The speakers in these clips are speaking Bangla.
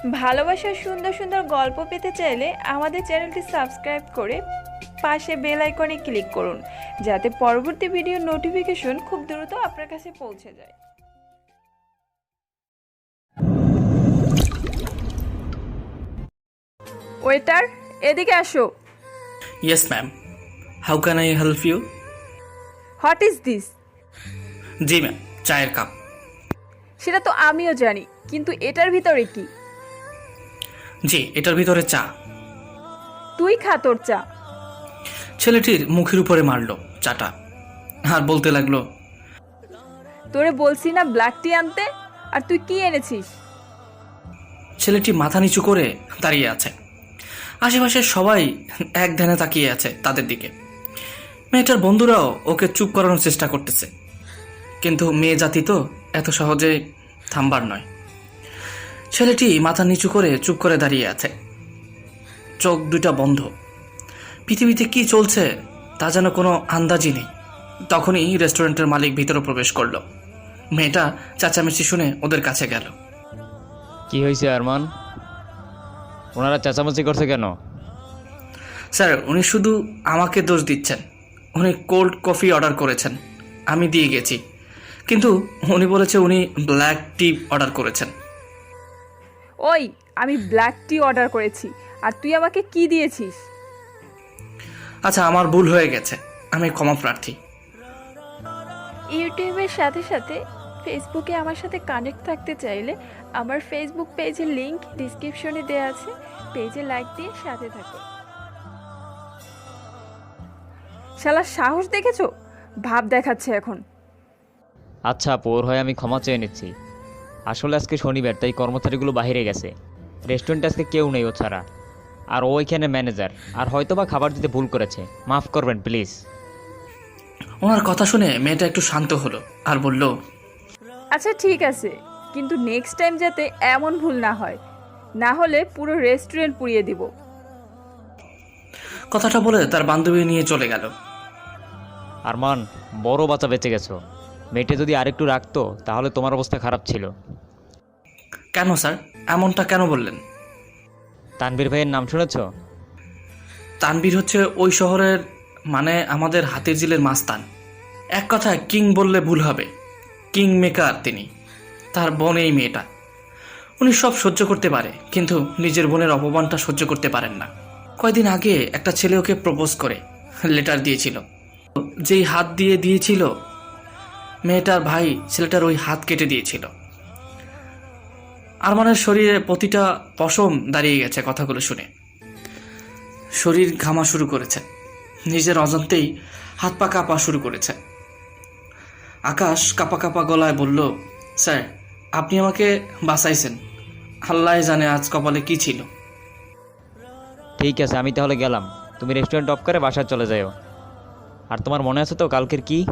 ভালোবাসার সুন্দর সুন্দর গল্প পেতে চাইলে আমাদের চ্যানেলটি সাবস্ক্রাইব করে পাশে বেল আইকনে ক্লিক করুন, যাতে পরবর্তী ভিডিওর নোটিফিকেশন খুব দ্রুত আপনার কাছে পৌঁছে যায়। ওয়েটার, এদিকে আসো। Yes, ma'am. How can I help you? What is this? জি ম্যাম, চায়ের কাপ। সেটা তো আমিও জানি, কিন্তু এটার ভিতরে কি? জি, এটার ভিতরে চা। তুই খা তোর চা। ছেলেটির মুখের উপরে মারলো চাটা আর বলতে লাগলো, তোরে বলছি না ব্ল্যাক টি আনতে, আর তুই কি এনেছিস? ছেলেটি মাথা নিচু করে দাঁড়িয়ে আছে। আশেপাশে সবাই এক ধ্যানে তাকিয়ে আছে তাদের দিকে। মেয়েটার বন্ধুরাও ওকে চুপ করানোর চেষ্টা করতেছে, কিন্তু মেয়ে জাতি তো এত সহজে থামবার নয়। ছেলেটি মাথা নিচু করে চুপ করে দাঁড়িয়ে আছে, চোখ দুটা বন্ধ। পৃথিবীতে কি চলছে তা যেন কোনো আন্দাজই নেই। তখনই রেস্টুরেন্টের মালিক ভিতরে প্রবেশ করলো। মেয়েটা চেঁচামেচি শুনে ওদের কাছে গেল। কি হয়েছে আরমান? ওনারা চেঁচামেচি করছে কেন? স্যার, উনি শুধু আমাকে দোষ দিচ্ছেন। উনি কোল্ড কফি অর্ডার করেছেন, আমি দিয়ে গেছি, কিন্তু উনি বলেছে উনি ব্ল্যাক টি অর্ডার করেছেন। ওই, আমি ব্ল্যাক টি অর্ডার করেছি, আর তুই আমাকে কি দিয়েছিস? আচ্ছা, আমার ভুল হয়ে গেছে, আমি ক্ষমা প্রার্থী। ইউটিউবের সাথে সাথে ফেসবুকে আমার সাথে কানেক্ট থাকতে চাইলে আমার ফেসবুক পেজের লিংক ডিসক্রিপশনে দেওয়া আছে, পেজে লাইক দিয়ে সাথে থাকো। শালা সাহস দেখেছো? ভাব দেখাচ্ছে এখন। আচ্ছা আপু, ওর হয়ে আমি ক্ষমা চেয়ে নিচ্ছি। আসলে আজকে শনিবার, তাই কর্মচারীগুলো বাইরে গেছে। রেস্টুরেন্টে আজকে কেউ নেই ও ছাড়া, আর ও এখানে ম্যানেজার, আর হয়তোবা খাবার দিতে ভুল করেছে। মাফ করবেন প্লিজ। ওনার কথা শুনে মেয়েটা একটু শান্ত হলো আর বলল, আচ্ছা ঠিক আছে, কিন্তু নেক্সট টাইম যাতে এমন ভুল না হয়, না হলে পুরো রেস্টুরেন্ট পুড়িয়ে দিব। কথাটা বলে তার বান্ধবী নিয়ে চলে গেল। আরমান, বড় বাচ্চা বেঁচে গেছো। মেয়েটা যদি আরেকটু রাখতো তাহলে তোমার অবস্থা খারাপ ছিল। কেন স্যার, এমনটা কেন বললেন? তানভীর ভাইয়ের নাম শুনেছ? তানভীর হচ্ছে ওই শহরের, মানে আমাদের হাতির ঝিলের মাস্তান। এক কথায় কিং বললে ভুল হবে, কিং মেকার তিনি। তার বোন এই মেয়েটা। উনি সব সহ্য করতে পারে, কিন্তু নিজের বোনের অপমানটা সহ্য করতে পারেন না। কয়দিন আগে একটা ছেলে ওকে প্রপোজ করে লেটার দিয়েছিল। যেই হাত দিয়ে দিয়েছিল, মেয়েটার ভাই ছেলেটার ওই হাত কেটে দিয়েছিল। আরমানের শরীরে প্রতিটা পশম দাঁড়িয়ে গেছে কথাগুলো শুনে। শরীর ঘামা শুরু করেছে, নিজের অজান্তেই হাত পা কাঁপা শুরু করেছে। আকাশ কাঁপা কাঁপা গলায় বলল, স্যার, আপনি আমাকে বাঁচাইছেন। আল্লাহ জানে আজ কপালে কি ছিল। ঠিক আছে, আমি তাহলে গেলাম। তুমি রেস্টুরেন্ট অফ করে বাসায় চলে যাও। আর তোমার মনে আছে তো কালকের কি?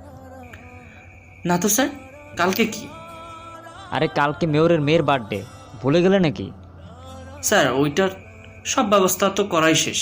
না তো স্যার, কালকে কি? আরে কালকে মেয়রের মেয়ের বার্থডে, ভুলে গেলে নাকি? স্যার, ওইটার সব ব্যবস্থা তো করাই শেষ,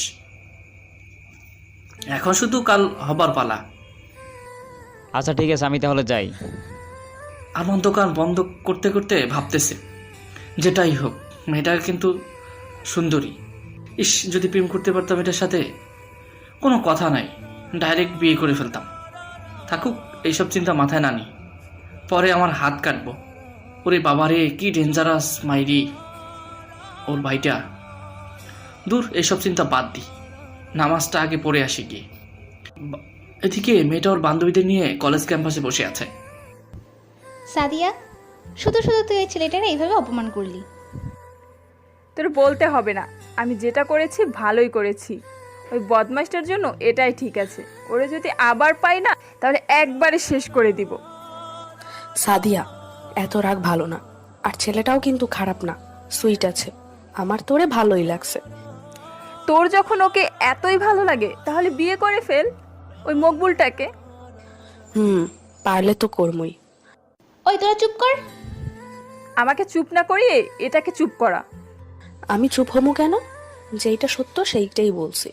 এখন শুধু কাল হবার পালা। আচ্ছা ঠিক আছে, আমি তাহলে যাই। আমার দোকান বন্ধ করতে করতে ভাবতেছে, যেটাই হোক মেয়েটা কিন্তু সুন্দরী। ইস, যদি প্রেম করতে পারতাম এটার সাথে, কোনো কথা নাই, ডাইরেক্ট বিয়ে করে ফেলতাম। থাকুক এইসব চিন্তা মাথায় না নি, পরে আমার হাত কাটবো। ওরে বাবারে, কি ডেঞ্জারাস মাইরি ওর ভাইটা। দূর, এইসব চিন্তা বাদ দি, নামাজটা আগে পড়ে আসি গিয়ে। এদিকে মেয়েটা ওর বান্ধবীদের নিয়ে কলেজ ক্যাম্পাসে বসে আছে। সাদিয়া, শুধু শুধু তুই ওই ছেলেটারে এইভাবে অপমান করলি। তোর বলতে হবে না, আমি যেটা করেছি ভালোই করেছি। ওই বদমাইশটার জন্য এটাই ঠিক আছে। ওরে যদি আবার পাই না, তাহলে একবারে শেষ করে দিব। সাদিয়া, এত রাগ ভালো না। আর ছেলেটাও কিন্তু খারাপ না, সুইট আছে। আমার তোরে ভালোই লাগছে। তোর যখন ওকে এতই ভালো লাগে, তাহলে বিয়ে করে ফেল ওই মকবুলটাকে। পারলে তো কর্মই। ওই তোরা চুপ কর। আমাকে চুপ না করিয়ে এটাকে চুপ করা। আমি চুপ হমু কেন? যেইটা সত্য সেইটাই বলছি।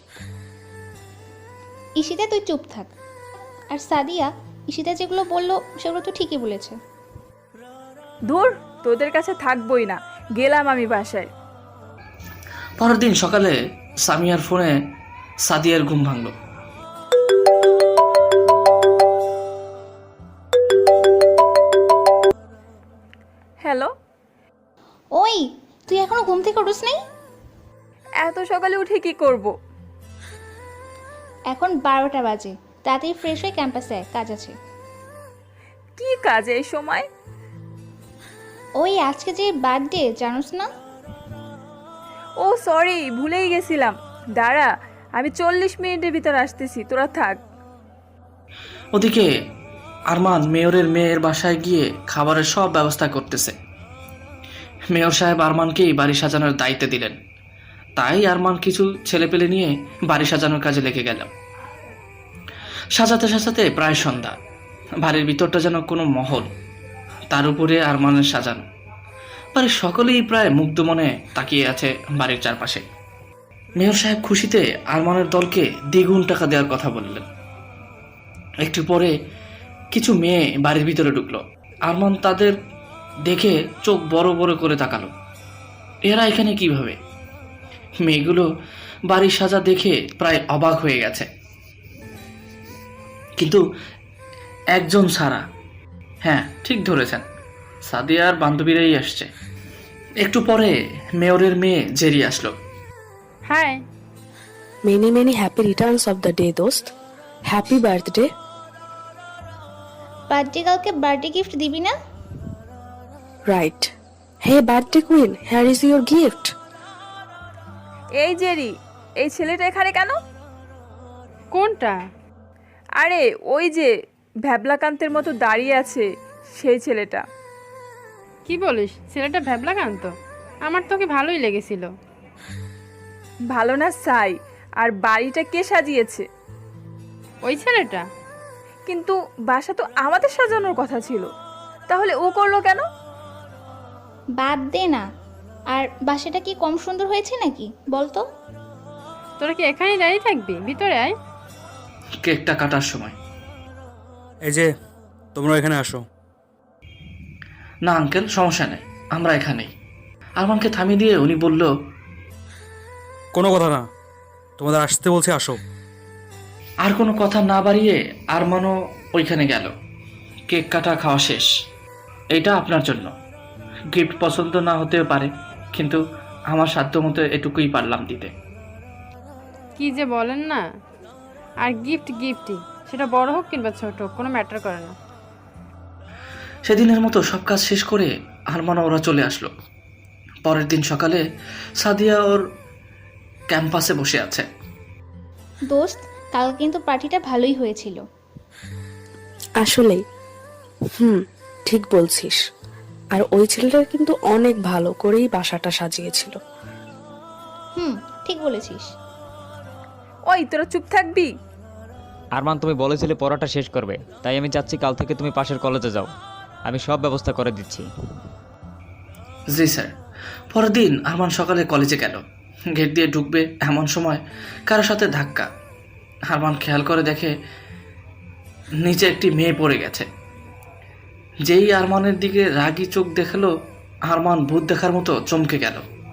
ঈশিতা, তুই চুপ থাক। আর সাদিয়া, ঈশিতা যেগুলো বললো সেগুলো তো ঠিকই বলেছে। দূর, তোদের কাছে থাকবোই না, গেলাম আমি বাসায়। পরের দিন সকালে সামিয়ার ফোনে সাদিয়ার ঘুম ভাঙল। হ্যালো, ওই, তুই এখনো ঘুম থেকে উঠিস নাই? এত সকালে উঠে কি করব? এখন 12টা বাজে, তাড়াতাড়ি ফ্রেশ হয়ে ক্যাম্পাসে আয়, কাজ আছে। কি কাজ এই সময়? ওই আজকে যে বার্থডে, জানোস না? ও সরি, ভুলেই গেছিলাম। দাঁড়া, আমি 40 মিনিটের ভিতর আসতেছি, তোরা থাক। ওদিকে আরমান মেয়রের মেয়ের বাসায় গিয়ে খাবারের সব ব্যবস্থা করতেছে। মেয়র সাহেব আরমানকেই বাড়ি সাজানোর দায়িত্ব দিলেন, তাই আরমান কিছু ছেলেপেলে নিয়ে বাড়ি সাজানোর কাজে লেগে গেল। সাজাতে সাজাতে প্রায় সন্ধ্যা। বাড়ির ভিতরটা যেন কোনো মহল, তার উপরে আরমানের সাজানো। বাড়ির সকলেই প্রায় মুগ্ধ মনে তাকিয়ে আছে বাড়ির চারপাশে। মেয়র সাহেব খুশিতে আরমানের দলকে দ্বিগুণ টাকা দেওয়ার কথা বললেন। একটু পরে কিছু মেয়ে বাড়ির ভিতরে ঢুকলো। আরমান তাদের দেখে চোখ বড় বড় করে তাকালো। এরা এখানে কিভাবে? মেয়েগুলো বাড়ির সাজা দেখে প্রায় অবাক হয়ে গেছে, কিন্তু একজন ছাড়া। হ্যাঁ, ঠিক ধরেছেন, সাদিয়ার বান্ধবীরাই আসছে। একটু পরে মেয়রের মেয়ে জেরি আসলো। Hi. Many many happy returns of the day দোস্ত। Happy birthday. বার্থডে কালকে বার্থডে গিফট দিবি না? Right. Hey birthday queen, here is your gift. এই জেরি, এই ছেলেটা এখানে কেন? কোনটা? আরে ওই যে ভ্যাবলাকান্তের মতো দাঁড়িয়ে আছে, সেই ছেলেটা। কি বলিস? ছেলেটা ভ্যাবলাকান্ত? আমার তোকে ভালোই লেগেছিল। ভালো না সাই? আর বাড়িটা কে সাজিয়েছে? ওই ছেলেটা? কিন্তু বাসা তো আমাদের সাজানোর কথা ছিল, তাহলে ও করলো কেন? বাদ দে না। আর বাসাটা কি কম সুন্দর হয়েছে নাকি বলতো? তোরা কি এখানেই দাঁড়িয়ে থাকবি? ভিতরে আয়। কেকটা কাটার সময়, এই যে, তোমরা এখানে আসো। না আঙ্কেল, সমস্যা নেই, আমরা এখানেই। আরমানকে থামিয়ে দিয়ে উনি বলল, কোনো কথা না, তোমাদের আসতে বলছি, আসো। আর কোনো কথা না বাড়িয়ে আরমানও ওইখানে গেল। কেক কাটা খাওয়া শেষ। এটা আপনার জন্য। গিফট পছন্দ না হতেও পারে, কিন্তু আমার সাধ্য মতো এটুকুই পারলাম দিতে। কি যে বলেন না। আর গিফটই, সেটা বড় হোক কিংবা ছোট হোক, কোনো ম্যাটার করে না। সেদিনের মতো সব কাজ শেষ করে আরমানও ওরা চলে আসলো। পরের দিন সকালে সাদিয়া ওর ক্যাম্পাসে বসে আছে। দোস্ত, কাল কিন্তু পার্টিটা ভালোই হয়েছিল। আসলেই ঠিক বলছিস। আর ওই ছেলেটা কিন্তু অনেক ভালো করেই বাসাটা সাজিয়েছিল। ঠিক বলেছিস। ওই তোরা চুপ থাকবি? আরমান, তুমি বলেছিলে পড়াটা শেষ করবে, তাই আমি চাচ্ছি কাল থেকে তুমি পাশের কলেজে যাও। আমি সব ব্যবস্থা করে দিচ্ছি। জি স্যার। পরের দিন আরমান সকালে কলেজে গেল। গেট দিয়ে ঢুকবে এমন সময় কারোর সাথে ধাক্কা। আরমান খেয়াল করে দেখে নিচে একটি মেয়ে পড়ে গেছে। যেই আরমানের দিকে রাগী চোখ দেখালো, আরমান ভূত দেখার মতো চমকে গেল।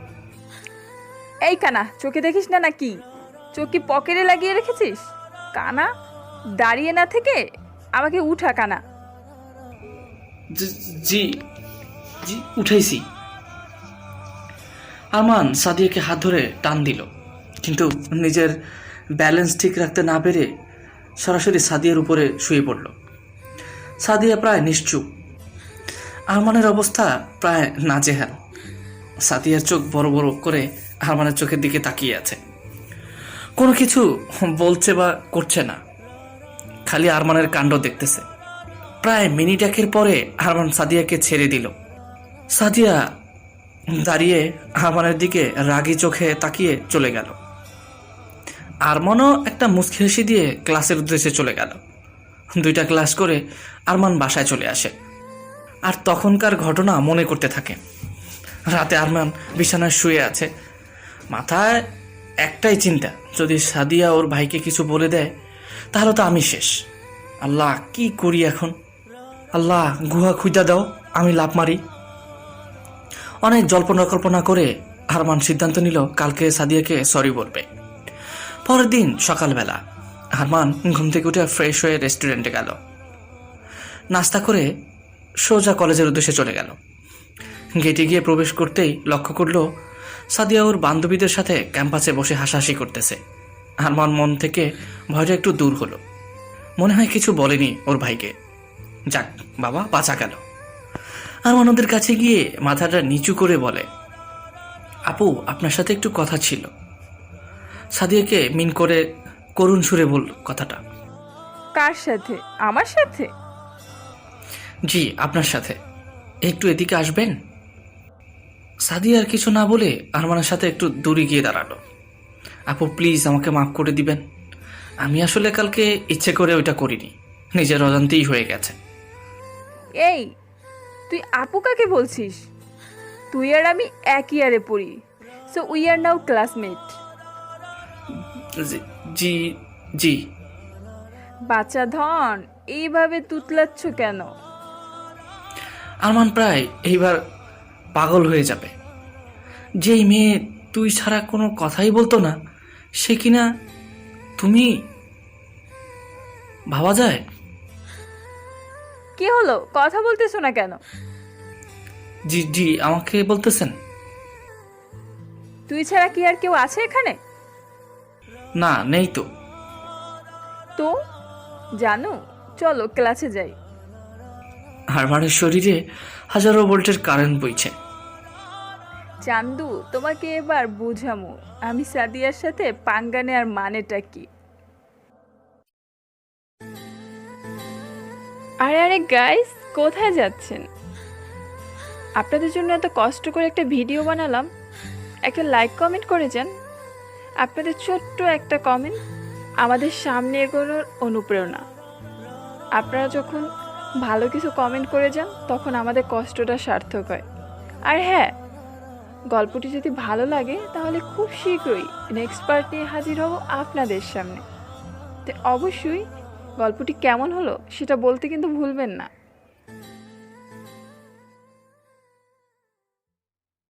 এই কানা, চোখে দেখিস না নাকি? চোখ কি পকেটে লাগিয়ে রেখেছিস? কানা, দাঁড়িয়ে না থেকে আমাকে উঠা কানা। জি জি, উঠাইছি। আরমান সাদিয়াকে হাত ধরে টান দিল, কিন্তু নিজের ব্যালেন্স ঠিক রাখতে না পেরে সরাসরি সাদিয়ার উপরে শুয়ে পড়ল। সাদিয়া প্রায় নিশ্চুপ। আরমানের অবস্থা প্রায় নাজেহাল। সাদিয়ার চোখ বড় বড় করে আরমানের চোখের দিকে তাকিয়ে আছে। কোনো কিছু বলছে বা করছে না, খালি আরমানের কাণ্ড দেখতেছে। প্রায় মিনিট একের পরে আরমান সাদিয়াকে ছেড়ে দিল। সাদিয়া দাঁড়িয়ে আরমানের দিকে রাগী চোখে তাকিয়ে চলে গেল। আরমানও একটা মুচকি হাসি দিয়ে ক্লাসের উদ্দেশ্যে চলে গেল। 2টা ক্লাস করে আরমান বাসায় চলে আসে আর তখনকার ঘটনা মনে করতে থাকে। রাতে আরমান বিছানায় শুয়ে আছে, মাথায় একটাই চিন্তা, যদি সাদিয়া ওর ভাইকে কিছু বলে দেয় তাহলে তো আমি শেষ। আল্লাহ, কি করি এখন? আল্লাহ, গুহা খুঁজা দাও, আমি লাফ মারি। অনেক জল্পনা কল্পনা করে আরমান সিদ্ধান্ত নিল কালকে সাদিয়াকে সরি বলবে। পরের দিন সকালবেলা আরমান ঘুম থেকে উঠে ফ্রেশ হয়ে রেস্টুরেন্টে গেল। নাস্তা করে সোজা কলেজের উদ্দেশ্যে চলে গেল। গেটে গিয়ে প্রবেশ করতেই লক্ষ্য করল সাদিয়া ওর বান্ধবীদের সাথে ক্যাম্পাসে বসে হাসাহাসি করতেছে। আরমান মন থেকে ভয়টা একটু দূর হলো। মনে হয় কিছু বলেনি ওর ভাইকে। যাক বাবা, বাঁচা গেল। আরমান ওদের কাছে গিয়ে মাথাটা নিচু করে বলে, আপু আপনার সাথে একটু কথা ছিল। সাদিয়াকে মিন করে করুণ সুরে বলল কথাটা। কার সাথে? আমার সাথে? জি আপনার সাথে, একটু এদিকে আসবেন? সাদিয়া আর কিছু না বলে আরমানের সাথে একটু দূরে গিয়ে দাঁড়ালো। আপু প্লিজ আমাকে মাফ করে দিবেন, আমি আসলে কালকে ইচ্ছে করে ওইটা করিনি, নিজের অজান্তেই হয়ে গেছে। এই তুই আপু কাকে বলছিস? তুই আর আমি এক ইয়ারে পড়ি, so we are now classmate. জি জি। বাচ্চা ধন, এইভাবে তুতলাচ্ছ কেন? আরমান প্রায় এইবার পাগল হয়ে যাবে। যেই মেয়ে তুই ছাড়া কোনো কথাই বলতো না, সে কিনা তুমি, ভাবা যায়? কি হলো, কথা বলতেছো না কেন? জি জি আমাকে বলতেছেন? তুই ছাড়া কি আর কেউ আছে এখানে? না নেই তো। তো জানো, চলো ক্লাসে যাই। আরমানের শরীরে হাজারো ভোল্টের কারেন্ট বইছে। চান্দু, তোমাকে এবার বুঝামু আমি সাদিয়ার সাথে পাঙ্গা নেওয়ার মানেটা কি। আরে আরে গাইস, কোথায় যাচ্ছেন? আপনাদের জন্য এত কষ্ট করে একটা ভিডিও বানালাম, একটা লাইক কমেন্ট করে যান। আপনাদের ছোট্ট একটা কমেন্ট আমাদের সামনে এগোনোর অনুপ্রেরণা। আপনারা যখন ভালো কিছু কমেন্ট করে যান তখন আমাদের কষ্টটা সার্থক হয়। আর হ্যাঁ, গল্পটি যদি ভালো লাগে তাহলে খুব শীঘ্রই নেক্সট পার্ট নিয়ে হাজির হব আপনাদের সামনে। তো অবশ্যই গল্পটি কেমন হলো সেটা বলতে কিন্তু ভুলবেন না।